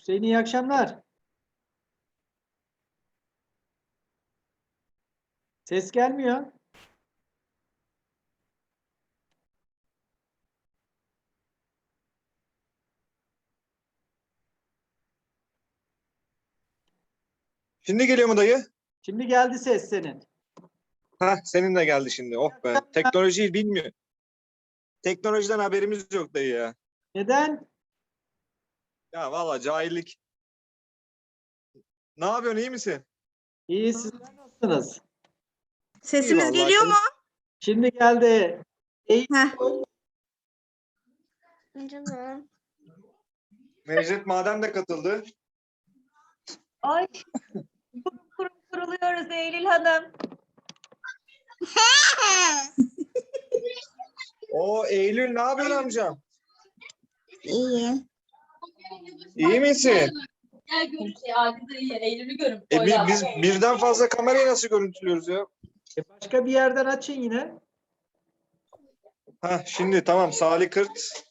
Hüseyin iyi akşamlar. Ses gelmiyor. Şimdi geliyor mu dayı? Şimdi geldi ses senin. Hah, senin de geldi şimdi. Oh be. Teknolojiyi bilmiyor. Teknolojiden haberimiz yok dayı ya. Neden? Ya valla cahillik. Ne yapıyorsun, iyi misin? İyi, sizler nasılsınız? Sesimiz vallahi, geliyor mu? Şimdi geldi. İyi. Heh. Necdet Madem de katıldı. Ay, kurum kuruluyoruz Eylül Hanım. O Eylül ne yapıyorsun amcam? İyi. İyi misin? Gel görüş Adil iyi. Eylül'ü görün. Biz birden fazla kamerayı nasıl görüntülüyoruz ya? Başka bir yerden açın yine. Hah, şimdi tamam, Salih Kırt.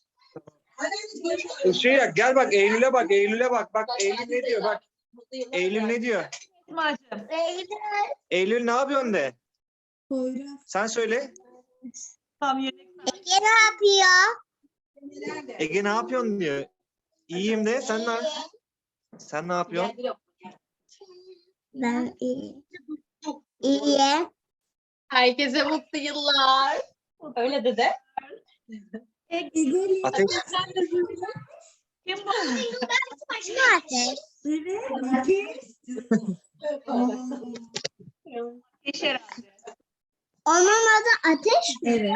Gel bak Eylül'e bak, Eylül'e bak. Bak Eylül ne diyor bak. Eylül ne diyor? İsmail'cim. Eylül ne yapıyorsun de. Poyraz. Sen söyle. Tam yönelik. Ne yapıyor? Ege ne yapıyorsun diyor. İyiyim de sen ne yapıyorsun? Ben iyi. İyi. Herkese mutlu yıllar. Öyle dedi. Ateş. Kim bu? Ateş. Ateş herhalde. Onun adı Ateş mi? Evet.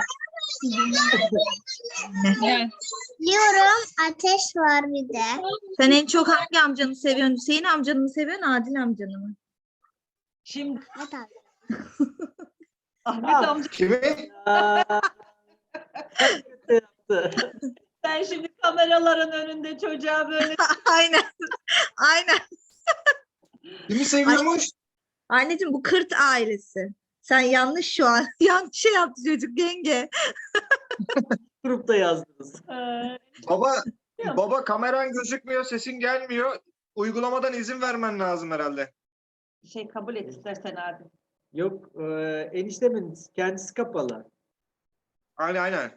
Biliyorum Ateş var bir de. Sen en çok hangi amcanı seviyorsun? Hüseyin amcanı mı seviyorsun, Adil amcanı mı? Şimdi Ne tabii. Ahmet Ah. amca Kimi? Aa, kötü yaptı. sen şimdi kameraların önünde çocuğa böyle Aynen. Aynen. Kimi seviyormuş? Anneciğim bu Kırt ailesi. Sen yanlış şu an. Yanlış şey yaptı çocuk yenge. Grupta yazdınız. Baba kameran gözükmüyor, sesin gelmiyor. Uygulamadan izin vermen lazım herhalde. şey kabul et istersen Adil. Yok, eniştemin kendisi kapalı. Aynen.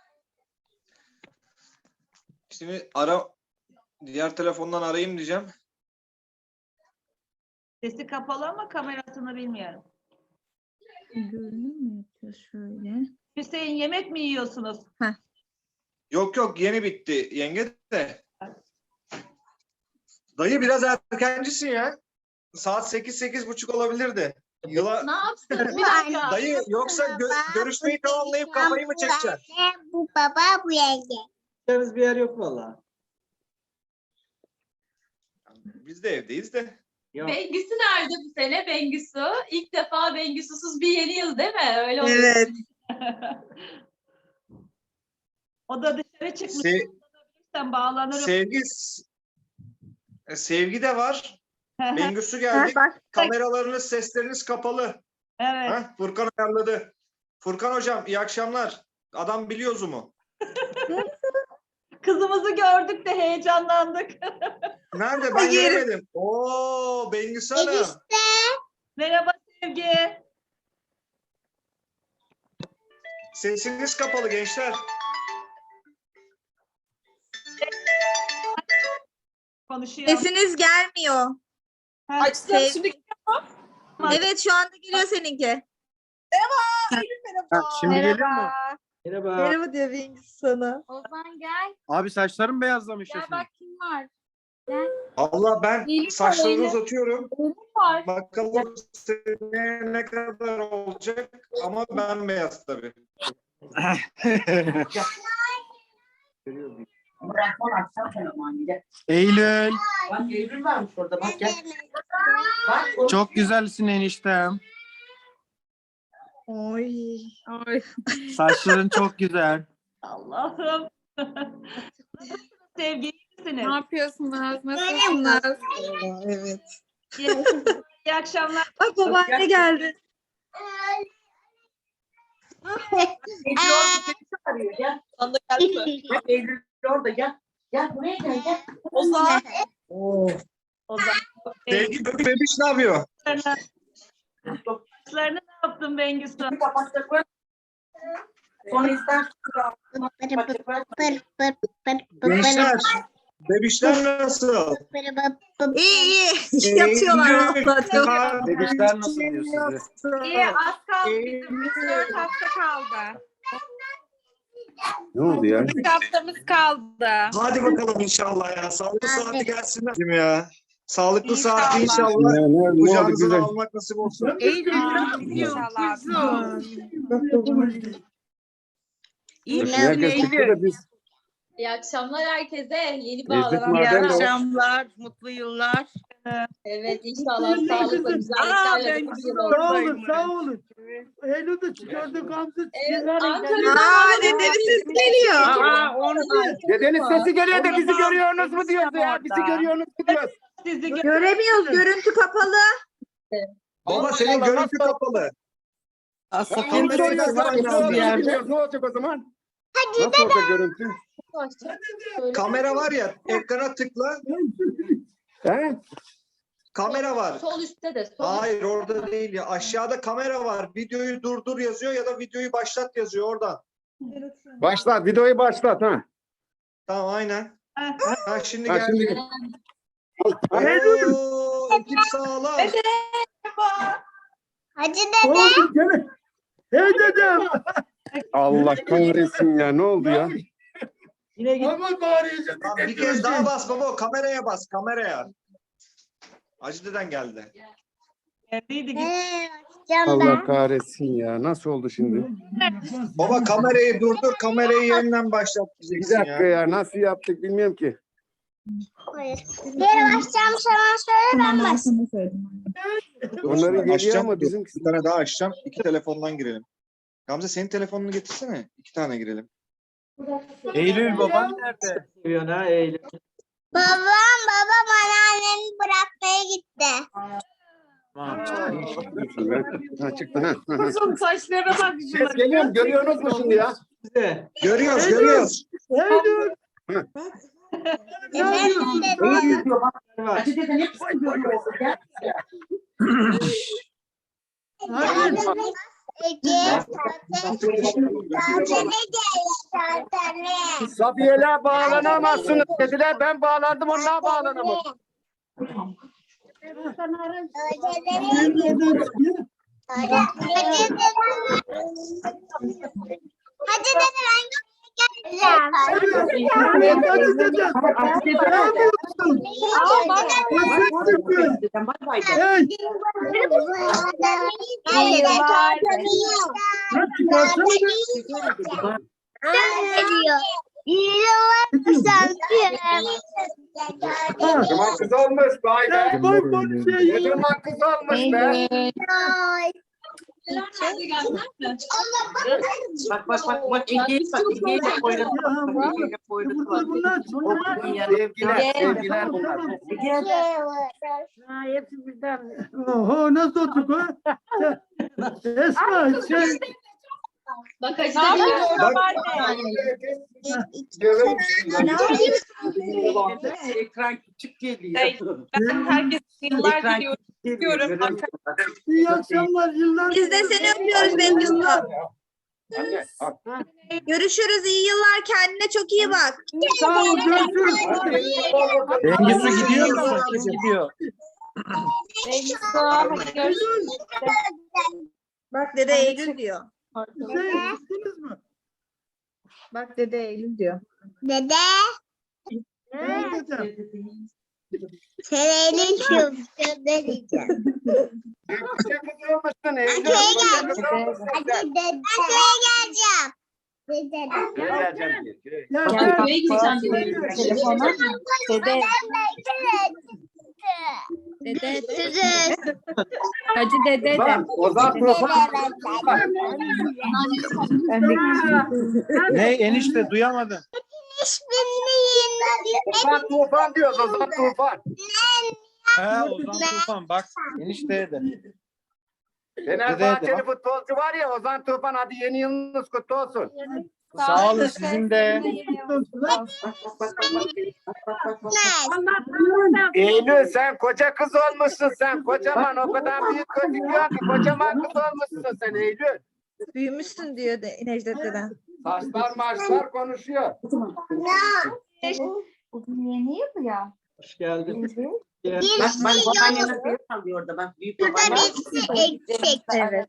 Şimdi diğer telefondan arayayım diyeceğim. Sesi kapalı ama kamerasını bilmiyorum. Görünüm mü yapıyor şöyle? Hüseyin yemek mi yiyorsunuz? Yok yeni bitti yenge de. Dayı biraz erkencisin ya. Saat 8-8:30 olabilirdi. Ne yapsın? Bir dakika. Dayı yoksa görüşmeyi tamamlayıp kafayı mı çekeceksin? Bu baba bu yenge. Gideceğimiz bir yer yok valla. Biz de evdeyiz de. Yok. Bengüsü nerede bu sene? Bengüsü. İlk defa Bengüsüsüz bir yeni yıl değil mi? Öyle oluyor. Evet. O da dışarı çıkmış. Sen bağlanırım. Sevgi de var. Bengüsü geldi. Bak, Kameralarınız, sesleriniz kapalı. Evet. Ha? Furkan ayarladı. Furkan hocam iyi akşamlar. Adam biliyor Zoom'u. Kızımızı gördük de heyecanlandık. Nerede? Ben Hayır. göremedim. Oo, Bengüsü Hanım. Merhaba Sevgi. Sesiniz kapalı gençler. Konuşuyor. sesiniz gelmiyor. Açtım Sevgi. şimdi. Evet şu anda geliyor seninki. Şimdi geliyor mu? Merhaba. Merhaba diyor Bengüs sana. Ozan gel. Abi saçlarım beyazlamış Gel ya bak kim var. Allah ben İyilik saçlarını var, uzatıyorum. Eylül var. Bakalım seneye ne kadar olacak ama ben beyaz tabii. Eylül. Bak Eylül varmış orada bak gel. Bak o Çok güzelsin eniştem. Oy. Oy. Saçların çok güzel. Allah'ım. Nasılsınız Sevgi? İyi misiniz? Ne yapıyorsunuz? Nasılsınız? Evet. İyi akşamlar. Bak babaanne geldi. Eylül orada seni çağırıyor gel. Bak Eylül orada gel. Gel buraya gel gel. Ozan. Oo. O zaman Sevgi bebiş ne yapıyor? saçlarını ne yaptın Bengüsü? Kapatacaklar. Sonra ister. Gençler, bebişler nasıl? İyi iyi. Yatıyorlar vallahi. Çok. Bebişler nasıl diyor size? İyi az kaldı. Ee, 4 hafta kaldı. Ne oldu ya? 3 haftamız kaldı. Hadi bakalım inşallah ya. Sağlıklı saati gelsinler. Değil mi ya? Sağlıklı İnşallah. saati inşallah. Ne oldu Kucağınıza güzel? almak nasip olsun. İnşallah. Herkes çıktı da biz İyi akşamlar herkese. Yeni Lezzet bağlanan. Maden de var. akşamlar, mutlu yıllar. Evet inşallah sağlıkla güzelliklerle bir yıl olsun. Sağ olun. Eylül'de çıkardık Hamza. Evet, Ankara'dan Aa dedenin sesi geliyor. Dedenin sesi geliyor da bizi görüyorsunuz mu diyoruz ya? Bizi görüyorsunuz mu diyoruz? sizi Göremiyoruz, görüntü kapalı. Baba senin görüntü kapalı. Safiye'nin sesi var mı bir yerde? Ne olacak o zaman? Nasıl olacak görüntü? Kamera var ya, ekrana tıkla. He? Kamera var. Sol üstte de. Sol Hayır orada değil ya. Aşağıda kamera var. Videoyu durdur yazıyor ya da videoyu başlat yazıyor oradan. Başlat, videoyu başlat ha. Tamam aynen. Ha şimdi Ha, şimdi geldi. Oo, ekip sağlam. Hacı dede. Hey dedem. Allah kahretsin ya, ne oldu ya? Yine git. Ama bağıracağım. Tamam, bir kez daha bas baba. Kameraya bas. Kameraya. Hacı deden geldi. Allah kahretsin ya, nasıl oldu şimdi? Baba kamerayı durdur. Kamerayı yeniden başlat Bir diyeceksin dakika ya. ya, nasıl yaptık bilmiyorum ki. Geri başlayacağım sana söyle ben başlayayım. Onların geliyor Açacağım, ama dur. bizim Bir tane daha açacağım. 2 telefondan girelim. Gamze senin telefonunu getirsene. 2 tane girelim. Eylül baban nerede? Seviyorsun ha Eylül. Babam anneannemi bırakmaya gitti. Tamam. ha, çıktı ha. Uzun saçlara bak Ses geliyor mu? Görüyorsunuz mu şimdi ya? Size. Görüyoruz, görüyoruz. Eylül. Efendim dede. Var. Hacı dede ne koyuyor? Gel. Ege. Tatile gel. Safiye'ler bağlanamazsınız dediler, ben bağlandım, onlar bağlanamadı. Hadi dede ben geleceğim. Bay bay. Zaman kız olmuş, vay be. Ne zaman kız olmuş be. Bak. Ege'yi de koydu. Ege'yi de koydu. Sevgiler bunlar. Oho nasıl olduk ha? Esma şey. Bak Hacı Ekran küçük geliyor. herkes yıllar Ekran diliyorum. küçük geliyor. İyi akşamlar yıllar. Biz de seni öpüyoruz Bengüsü. Görüşürüz. İyi yıllar. Kendine çok iyi bak. Sağ ol görüşürüz. Bengüsü gidiyor mu? Kim gidiyor? Bak dede Eylül diyor. Şey, gittiniz mi? Bak dede Eylül diyor. Dede. Hey dedem. Sen elin şu. Ne diyeceğim? Hadi dede. Hadi geleceğim. Dede. Ya Köye gideceğim dedi. Telefona. Dede. Dede. Hacı dede de. Ozan Tufan. Ne enişte duyamadım. Ozan Tufan diyoruz, Ozan Tufan. He Ozan Tufan bak enişteye de. Fenerbahçeli futbolcu var ya, Ozan Tufan, hadi yeni yılınız kutlu olsun. Sağ olun sizin de. Eylül sen koca kız olmuşsun sen. Kocaman o kadar büyük gözüküyor ki kocaman kız olmuşsun sen Eylül. Büyümüşsün diyor Necdet deden. Saçlar maçlar konuşuyor. Yeni yıl ya. Hoş geldin. Bak babaannene büyük kalıyor orada bak. Büyük Şurada babaanne. birisi eksik. Evet.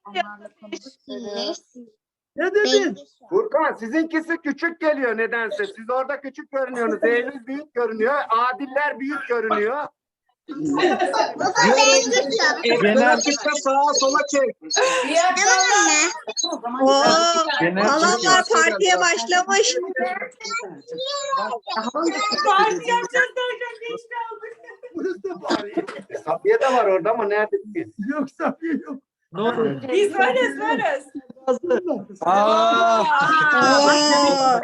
Ne dedin? Furkan sizinkisi küçük geliyor nedense. Siz orada küçük görünüyorsunuz. Eylül büyük görünüyor. Adiller büyük görünüyor. Baba ben kızım. Genel çıkma sağa sola çek. Tamam mı? Oo, Genel alanlar partiye başlamış. Parti yapacağız derken geç kaldık. Burası da bağırıyor. Safiye de var orada ama nerede biz? Yok Safiye yok. Ne oldu? Biz varız. Aa, Oo.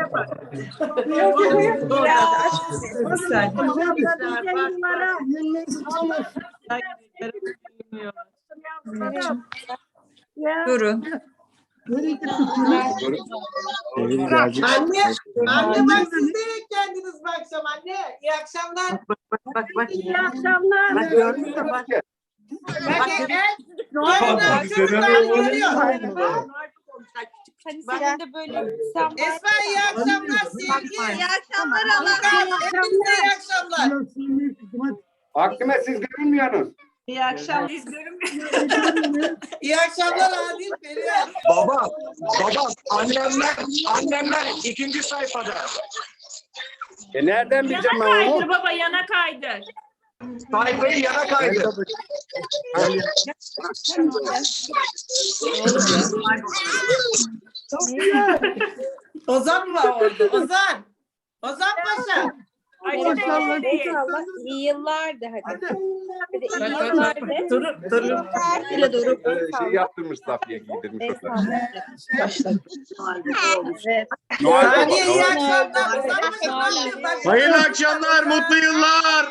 Durun. Nereye gitti? Anne bak siz de geldiniz bu akşam anne. İyi akşamlar. Bak. İyi akşamlar. Bak gördün mü bak. Bak gel. Çocuklar görüyor. Senin de böyle sen Esma iyi akşamlar sevgi. İyi akşamlar Allah. Hepinize iyi akşamlar. Aklıma siz görünmüyorsunuz. İyi akşamlar. İyi akşamlar Adil Perihan. Baba, annemler ikinci sayfada. Nereden bileceğim ben onu? baba yana kaydır. Sayfayı yana kaydı. Ozan var orada. Ozan. Ozan Paşa. Maşallah. İyi yıllar de hadi. Hadi iyi Bak, yıllar de. Durun. Öyle doğru. Şey yaptırmış Safiye giydirmiş o kadar. Evet. Saniye iyi akşamlar. Ozan Paşa ne yapıyor? hayırlı akşamlar, mutlu yıllar.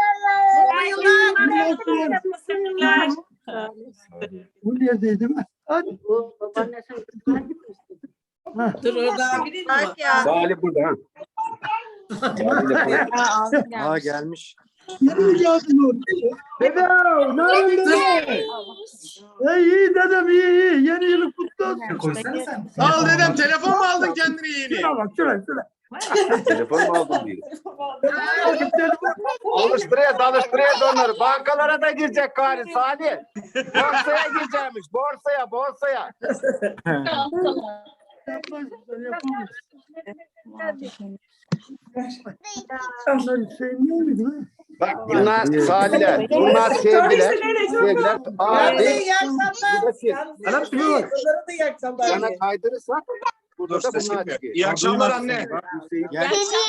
Mutlu yıllar. Bu neredeydi? Hadi. Dur orada abiniz mi var? Bak ya. Salih burada ha. Aa gelmiş. Yeni mi geldin orada? Dedem, ne yapıyorsun? İyi dedem iyi. Yeni yılın kutlu olsun. Sağ ol dedem, telefon mu aldın kendine yeni? Şuna bak şuna. Telefon mu aldın diye. Alıştırıyoruz onları. Bankalara da girecek gari Salih. Borsaya gireceğimiş. Borsaya. Yapmaz, yapamaz. Onlar Hüseyin değil miydi lan? Bak bunlar Salihler. Bunlar sevgiler. Hadi Abi. iyi akşamlar. Bu da siz. Yalnız Onlara da iyi akşamlar. Yana kaydırırsak burada da Ses bunlar gitmiyor. çıkıyor. İyi akşamlar anne. Gel.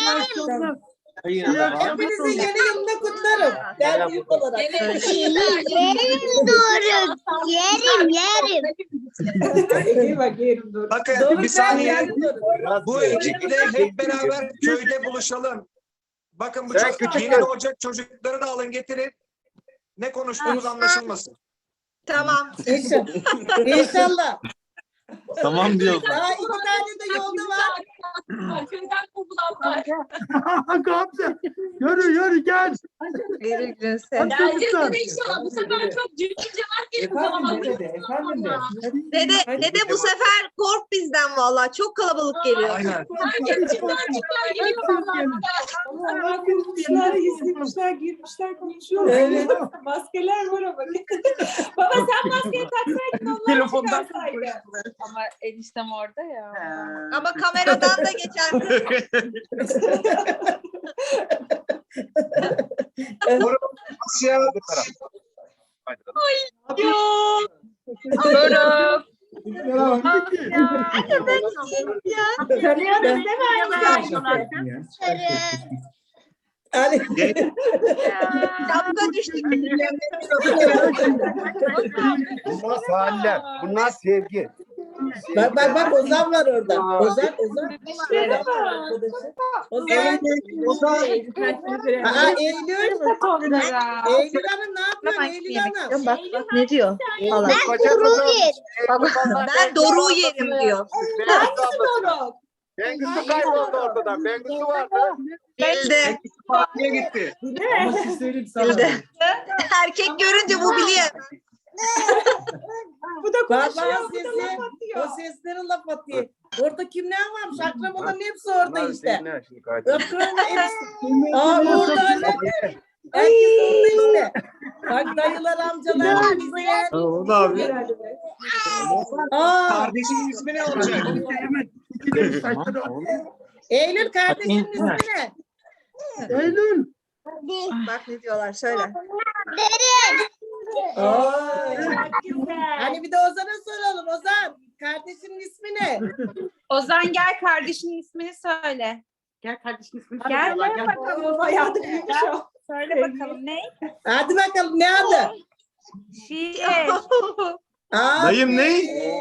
Hepinizi yeni yılında kutlarım. Ben büyük olarak. Yerim doğru. Yerim. İyi bak yerim doğru. Bakın Doğru, bir saniye. yerim doğru. Bu ekiple hep beraber köyde buluşalım. Bakın bu Sen çok küçük yeni kız. doğacak çocukları da alın getirin. Ne konuştuğumuz anlaşılmasın. Tamam. İnşallah. Tamam diyor. Daha 2 tane de yolda var. Köyden kovulanlar. Gamze. Yürü gel. Yürü Gülse. Geleceğiz de inşallah bu sefer çok cücüce Efendim de. Dede bu sefer kork bizden vallahi. Çok kalabalık geliyor. Aynen. Herkesler geliyor vallahi. Allah konuşmuşlar, girmişler, konuşuyorlar. Evet. Maskeler var ama. Baba sen maskeyi taksaydın onlar Telefondan çıkarsaydı. Ama eniştem orada ya. Ama kameradan da geçer. Asya bu taraf. Doğru. Tanıyoruz Yani Şapka düştü. Bunlar Salihler. Bunlar sevgi. bak Ozan var orada. Ozan. Ozan. Aa Eylül. Eylül Hanım ne yapıyor Eylül Hanım? Bak ne diyor? Allah. Koca kızım. Ben Doruk'u yerim diyor. Doruk. Bengüsü kayboldu ortadan. Bengüsü vardı. Bildi. Partiye gitti. Ama siz söyleyeyim sana. Bildi. Erkek görünce bu biliyor. Bu da Baba konuşuyor. Bu da sesi, laf atıyor. o sesleri laf atıyor. Orada kimler varmış? Akrabaların hepsi orada Bunlar işte. seninle şimdi kaydı. Öpkürünün hepsi. Aa orada herkes orada işte. Bak dayılar, amcalar, bizler. O da abi. Aa, Kardeşinin ismi ne olacak? Evet. İkili saçları. Eylül kardeşinin ismi ne? Eylül. Bak ne diyorlar söyle. Hani bir de Ozan'a soralım. Ozan, kardeşinin ismi ne? Ozan gel kardeşinin ismini söyle. Gel kardeşinin ismini Gel, söyle. gel bakalım. Bayağı da büyümüş o. Söyle bakalım ne? Hadi bakalım ne adı? Şiir. Aa, Dayım ne?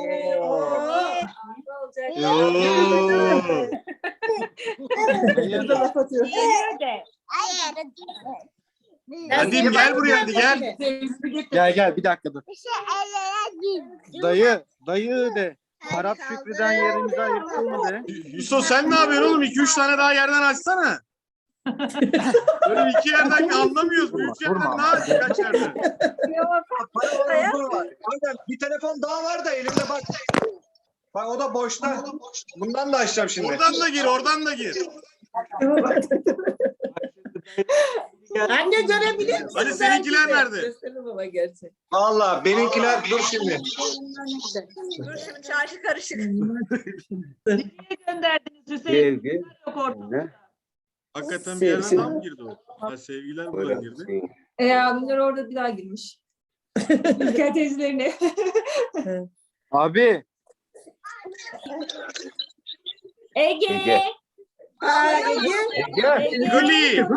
Bu da laf atıyor. Şiir de. Hadi gel buraya hadi gel. Gel bir dakika dur. Dayı de. Arap Şükrü'den yerimizi ayırtalım de. Yusuf sen ne yapıyorsun oğlum? 2-3 tane daha yerden açsana. Böyle 2 yerden anlamıyoruz. Büyük yerden daha kaç yerden. Kanka bir telefon daha var da elimde bak. Bak o da boşta. Bundan da açacağım şimdi. Oradan da gir. Anne görebilir misin? Hadi seninkiler nerede? Gösterin baba gerçek. Vallahi benimkiler dur şimdi. Dur şimdi çarşı karışık. Gönderdiniz Hüseyin. Sevgi. Yok orada. Hakikaten bir yerden daha mı girdi o? Ha, sevgiler buradan girdi. Abimler orada bir daha girmiş. Ülker teyzelerine. Abi. Ege. Aa, Ege. Gülü.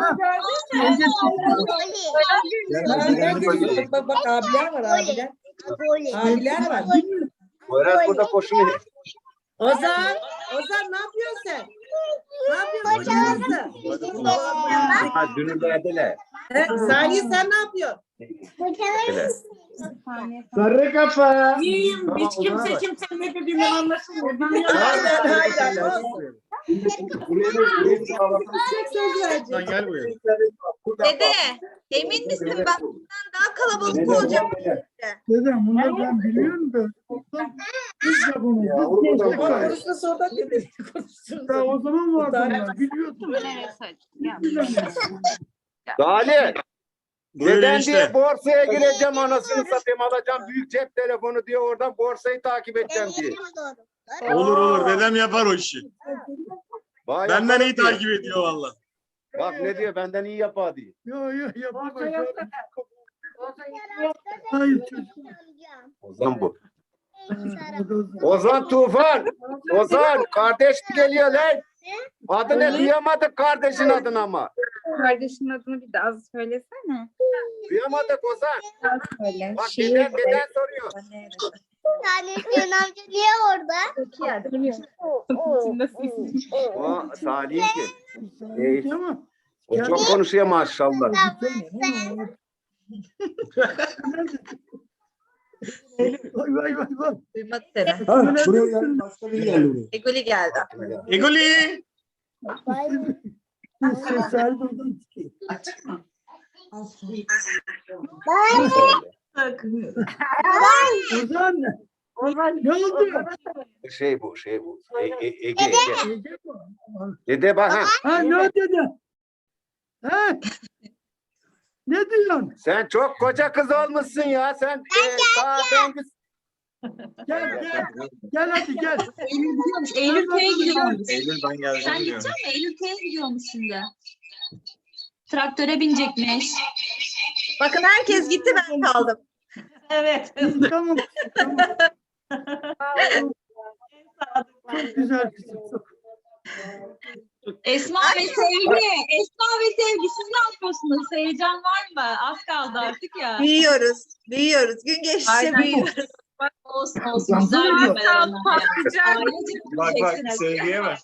Bak abiler var abiler. Abiler var. Poyraz burada koşuyor. Ozan ne yapıyorsun sen? Ne yapıyorsun? Ha dünün verdiler. Saniye sen ne yapıyorsun? Sarı kafa. İyiyim. Hiç kimsenin ne dediğini anlaşılmıyor. Aynen. Sen gel buraya. Dede emin misin bak bundan daha kalabalık olacak. Dedem bunları ben biliyorum da. Biz de bunu. Biz de bunu. Konuşma sohbet edelim. Ya o zaman vardı bunlar. Biliyordum. Salih. Buyurun Neden işte. diye borsaya gireceğim anasını satayım alacağım büyük cep telefonu diye oradan borsayı takip edeceğim diye. Olur dedem yapar o işi. Vay Benden yaparım iyi diyor. takip ediyor valla. Bak ne diyor benden iyi yapar diyor. Yok yapamaz. Hayır çocuk. Ozan bu. Ozan Tufan. Ozan kardeş geliyor lan. Adı ne duyamadık kardeşin adını ama. Kardeşinin adını bir daha söylesene. Duyamadık Ozan. Söyle. Bak neden soruyor. Tanesiyon amca niye orada? O Salih ki. Tamam. O çok konuşuyor maşallah. Vay. Duymadı seni. Buraya gel. Başka biri geldi buraya. Egoli geldi. Egoli. Sesler buradan çıkıyor. Ozan. Ne oldu? Şey bu. Ege. Dede bak ha. Ha ne dedi? Ha? Ne diyorsun? Sen çok koca kız olmuşsun ya. Sen Gel hadi gel. Eylül gidiyormuş. Eylül köye gidiyormuş. Eylül ben Sen geleceğim diyor. gidecek misin? Eylül köye gidiyormuş şimdi. Traktöre binecekmiş. Bakın herkes gitti ben kaldım. Evet. Tamam. Çok güzel kızım. Esma ve Sevgi siz ne yapıyorsunuz? Heyecan var mı? Az kaldı artık ya. Büyüyoruz. Gün geçtikçe Aynen. büyüyoruz. Olsun. Güzel bir Bak sevgiye bak.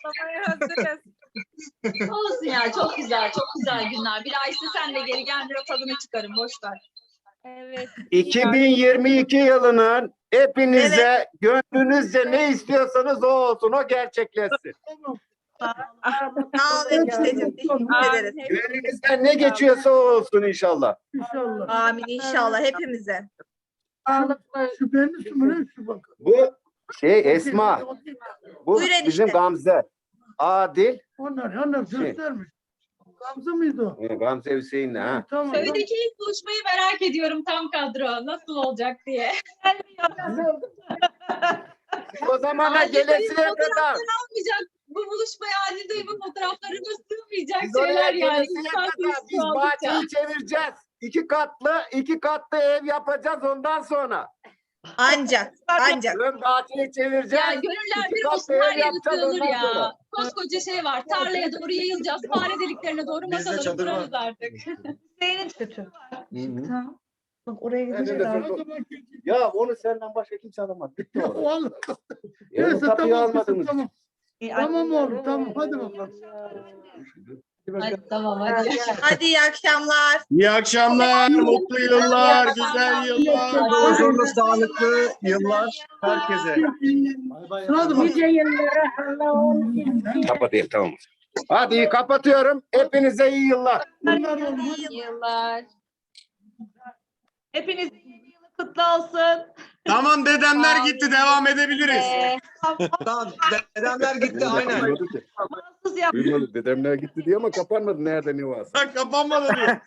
Olsun ya, çok güzel günler. Bir ay sen de geri gel, bir tadını çıkarın, boş ver. Evet. 2022 yılının Hepinize gönlünüzce ne istiyorsanız o olsun, o gerçekleşsin. Sağ ol enişteciğim. Teşekkür ederiz. Gönlünüzden ne geçiyorsa o olsun inşallah. İnşallah. Amin inşallah hepimize. Şüpheniz mi ne şu bak. Bu Esma, bu Buyur enişte. bizim Gamze. Adil, Onlar göstermiş. Gamze mıydı o? Gamze Hüseyin'le ha. Tamam. Köydeki ilk buluşmayı merak ediyorum tam kadro. Nasıl olacak diye. O zamana Adil gelesiye dayımın kadar. fotoğrafları almayacak. Bu buluşmaya Adil dayımın fotoğraflarına sığmayacak Biz oraya şeyler yani. gelesiye İnsan kadar duygusu biz oldukça. bahçeyi çevireceğiz. İki katlı ev yapacağız ondan sonra. Ancak. Ön bahçeyi çevireceğiz. Ya gönüller İki bir katlı olsun ev her yeri yapacağız sığılır ondan ya. sonra. Koskoca şey var. Tarlaya doğru yayılacağız. Fare deliklerine doğru Bizde masaları çadır var. kurarız artık. Hüseyin'in kötü. Tamam. Bak oraya Elinde gideceğiz. sor- Ya onu senden başka kimse alamaz. Bitti o. Vallahi. Ya Neyse tapuyu tamam kızım, almadınız. tamam. Tamam oğlum tamam hadi bakalım. Hadi tamam hadi. Hadi iyi akşamlar. İyi akşamlar, mutlu yıllar, güzel yıllar. Huzurlu, sağlıklı yıllar herkese. Hadi bakalım. Kapatayım tamam. Hadi kapatıyorum. Hepinize iyi yıllar. Yıllar. Hepiniz yeni yılı kutlu olsun. Tamam dedemler gitti, devam edebiliriz. Tamam, dedemler gitti aynen. Mahsus yap. Duymadı. Dedemler gitti diye ama kapanmadı. Nerede ne varsa. Bak kapanmadı diyor.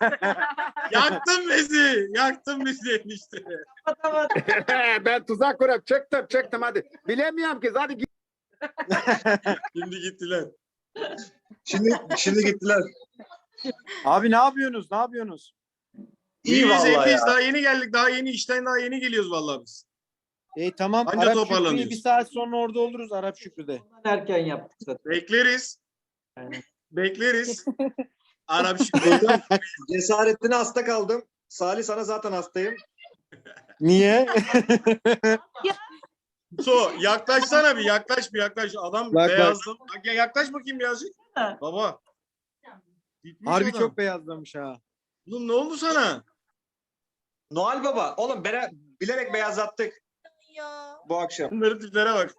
Yaktın bizi enişte. Ben tuzak kurup çektim hadi. Bilemiyorum ki. Hadi git. Şimdi gittiler. Şimdi gittiler. Abi ne yapıyorsunuz? İyi İyiyiz, vallahi iyiyiz. ya. Daha yeni geldik. Daha yeni işten daha yeni geliyoruz vallahi biz. Tamam. Anca Arap toparlanıyoruz. Şükrü'yü bir saat sonra orada oluruz Arap Şükrü'de. Erken yaptık zaten. Bekleriz. Aynen. Bekleriz. Arap Şükrü. Cesaretine hasta kaldım. Salih sana zaten hastayım. Niye? Yaklaşsana bir yaklaş. Adam Bak. beyazladı. Bak, yaklaş bakayım birazcık. Baba. Gitmiş Harbi adam. çok beyazlamış ha. Oğlum ne oldu sana? Noel Baba. Oğlum bilerek beyazlattık bu akşam. Bunların tiplere bak.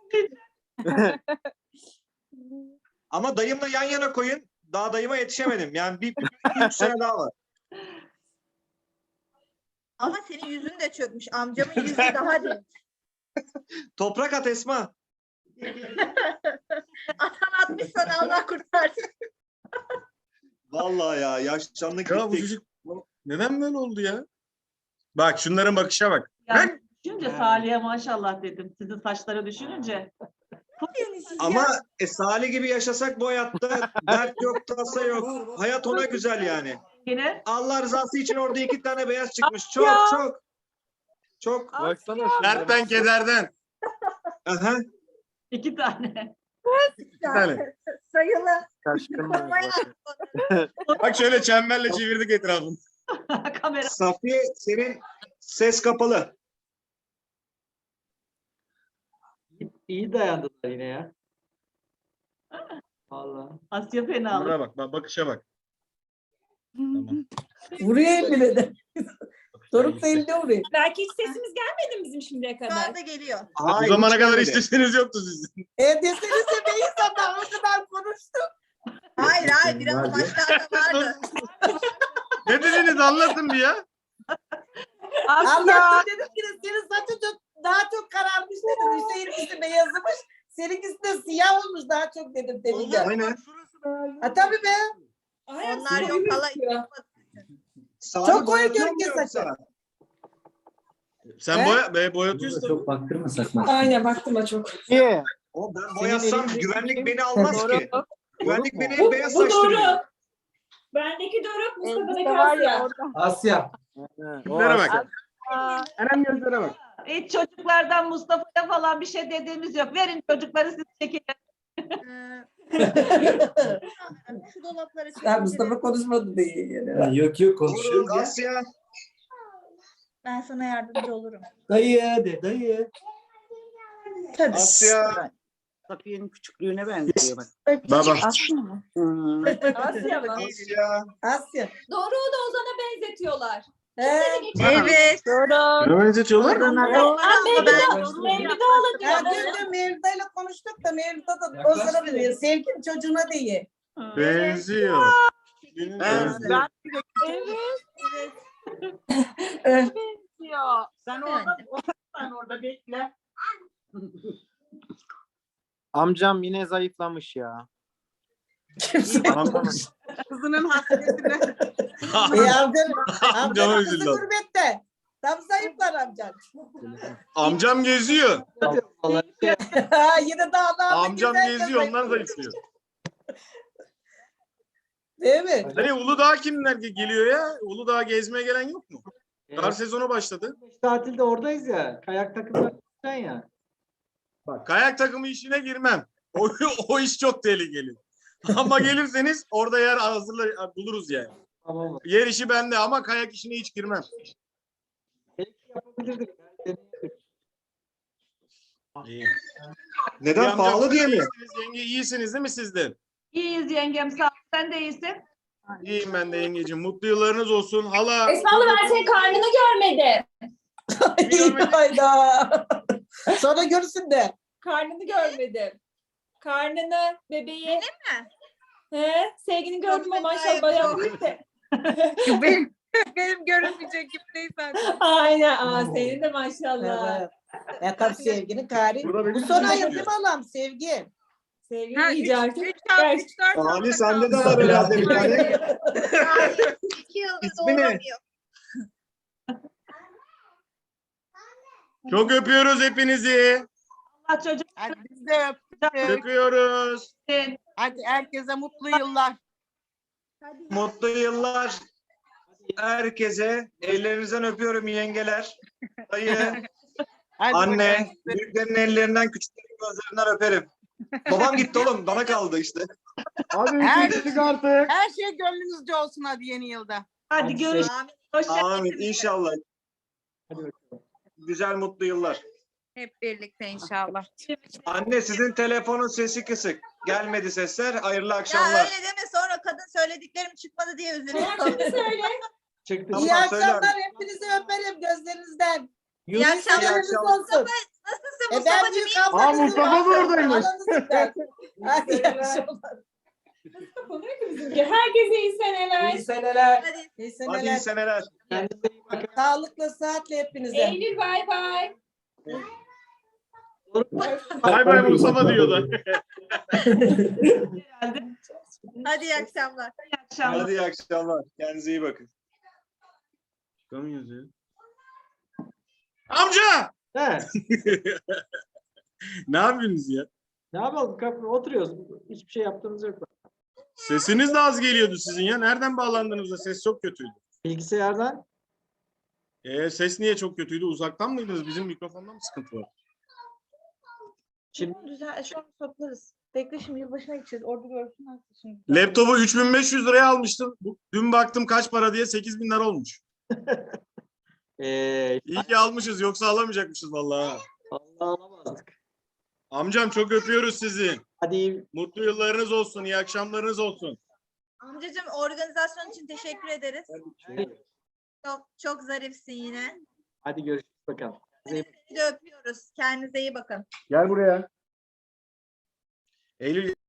Ama dayımla yan yana koyun. Daha dayıma yetişemedim. Yani bir 3 sene daha var. Ama senin yüzün de çökmüş. Amcamın yüzü daha değil. Toprak at Esma. Atan atmış sana Allah kurtarsın. Vallahi ya yaşlandık Ya bu gittik. çocuk neden böyle oldu ya? Bak şunların bakışa bak. Yani düşünce Salih'e maşallah dedim. Sizin saçları düşününce. Ama Salih gibi yaşasak bu hayatta dert yok, tasa yok. Hayat ona güzel yani. Yine Allah rızası için orada 2 tane beyaz çıkmış. Ya. Çok. Baksana. Dertten kederden. Aha. 2 tane. Bir tane. Sayılı. Şaşkınlar. Bak şöyle çemberle çevirdik etrafını. Kamera. Safiye senin ses kapalı. İyi dayandılar yine ya. Vallahi. Asya fenalık. Buna bak, bakışa bak. Tamam. Vuruyor elini de. Doruk da elinde vuruyor. Belki hiç sesimiz gelmedi mi bizim şimdiye Şu kadar? anda geliyor. Bu zamana kadar isteseniz yoktu sizin. Desenize beyiz adam o kadar konuştum. Hayır biraz başlarda vardı. Ne dediniz anlatın bir ya. Anlattım dedim ki senin saçın daha çok kararmış dedim. Hüseyin'in beyazımış. Seninkisi de siyah olmuş daha çok dedim demince. Aynen. Ha tabii be. Onlar yok hala. Çok koyu görünüyor saçı. Sen boyatıyorsun. Çok baktırmasak mı? Aynen baktım çok. Niye? O ben boyasam güvenlik beni almaz ki. Güvenlik beni Bu beyaz doğru. saçtırıyor. Bendeki Doruk, Mustafa'daki Asya. Asya. Gözlere bak. Hemen gözlere bak. Hiç çocuklardan Mustafa'ya falan bir şey dediğimiz yok. Verin çocukları siz çekin. Şu dolapları Ya Mustafa konuşmadı diye. Yok konuşuyoruz Doruk, Asya. Ben sana yardımcı olurum. Dayı. Tabii. Asya. Safiye'nin küçüklüğüne benziyor bak. Baba. Asya mı? Asya. Asya. Doruk'u da Ozan'a benzetiyorlar. Evet. Hemen çalar. Oradan Ben- Mevlüt'ü alın Ya diyor. dün Mevlüt'yle konuştuk da Mevlüt'e de o sıra biliyor. Sevginin çocuğuna değil. Benziyor. Ben- Evet. Sen orada bekle. Amcam yine zayıflamış ya. Kızının hasretine. Amcama Amcanın kızı üzüldü. gurbette. Tam zayıflar amcan. Amcam geziyor. Yine dağlarda Amcam gezerken geziyor, onlar zayıflıyor. zayıflıyor. Değil mi? Hani Uludağ kimler geliyor ya? Uludağ gezmeye gelen yok mu? Kar sezonu başladı. Tatilde oradayız ya. Kayak takımı ya. Kayak takımı işine girmem. O iş çok tehlikeli. Ama gelirseniz orada yer buluruz yani. Tamam. Yer işi bende ama kayak işine hiç girmem. Yapabilirdik. İyi. Neden? Amcam, Pahalı diye mi? iyisiniz, yenge iyisiniz değil mi siz de? İyiyiz yengem sağ ol. Sen de iyisin. İyiyim ben de yengeciğim. Mutlu yıllarınız olsun. Hala. Esmalı ben senin karnını görmedim. Hayda. Sonra görürsün de. Karnını görmedim. Karnını, bebeği. Benim mi? He, sevgini gördüm ama maşallah bayağı büyük de. Benim görünmeyecek gibi değil zaten. Aynen. Senin de maşallah. Evet. Ya tabii sevginin kari. Burada benim Bu son ayın çocuğum değil mi Allah'ım sevgi? Sevgini iyice artık. Ali sende de var herhalde bir tane. 2 yıldır İsmi ne? doğuramıyor. Çok öpüyoruz hepinizi. Allah çocuk. Hadi biz de öptük. Öpüyoruz. Hadi herkese mutlu yıllar. Mutlu yıllar. Herkese ellerinizden öpüyorum yengeler. Dayı, anne, büyüklerin ellerinden, küçüklerin gözlerinden öperim. Babam gitti oğlum, bana kaldı işte. Hadi çıktık artık. Her şey gönlünüzce olsun hadi yeni yılda. Hadi görüşürüz. Hoşça Amin, inşallah. Güzel, mutlu yıllar. Hep birlikte inşallah. Anne, sizin telefonun sesi kısık. Gelmedi sesler. Hayırlı Ya akşamlar. öyle deme, sonra kadın söylediklerim çıkmadı diye üzülüyorum. söyle. Çıktı. Tamam, İyi akşamlar. söylerim. Hepinizi öperim gözlerinizden. İyi akşamlar. Gönlünüz olsun. Nasılsın Ben Mustafa'cığım? büyük İyi ablanızım. Mustafa da oradaymış. Aranızdan. Hadi iyi akşamlar. Herkese iyi seneler. İyi seneler. Hadi. İyi Hadi iyi seneler. seneler. Kendinize iyi bakın. Sağlıklı, sıhhatle hepinize. Eylül bay bay. Bay bay Mustafa diyor da. Hadi iyi akşamlar. Hadi iyi akşamlar. Kendinize iyi bakın. Çıkamıyoruz ya. Amca! He. Ne yapıyorsunuz ya? Ne yapalım? Oturuyoruz. Hiçbir şey yaptığımız yok. Sesiniz de az geliyordu sizin ya. Nereden bağlandınız da ses çok kötüydü. Bilgisayardan. Ses niye çok kötüydü? Uzaktan mıydınız? Bizim mikrofonda mı sıkıntı var? Şimdi Güzel. Şu an toplarız. Bekle, şimdi yılbaşına gideceğiz. Orada görsünler şimdi. Laptopu 3500 liraya almıştım. Dün baktım kaç para diye 8000 lira olmuş. İyi ki almışız, yoksa alamayacakmışız vallahi. Allah alamazdık. Amcam çok öpüyoruz sizi. Hadi Mutlu yıllarınız olsun, iyi akşamlarınız olsun. Amcacığım, organizasyon için teşekkür ederiz. Çok zarifsin yine. hadi görüşürüz bakalım. Seni de öpüyoruz. Kendinize iyi bakın. Gel buraya. Eylül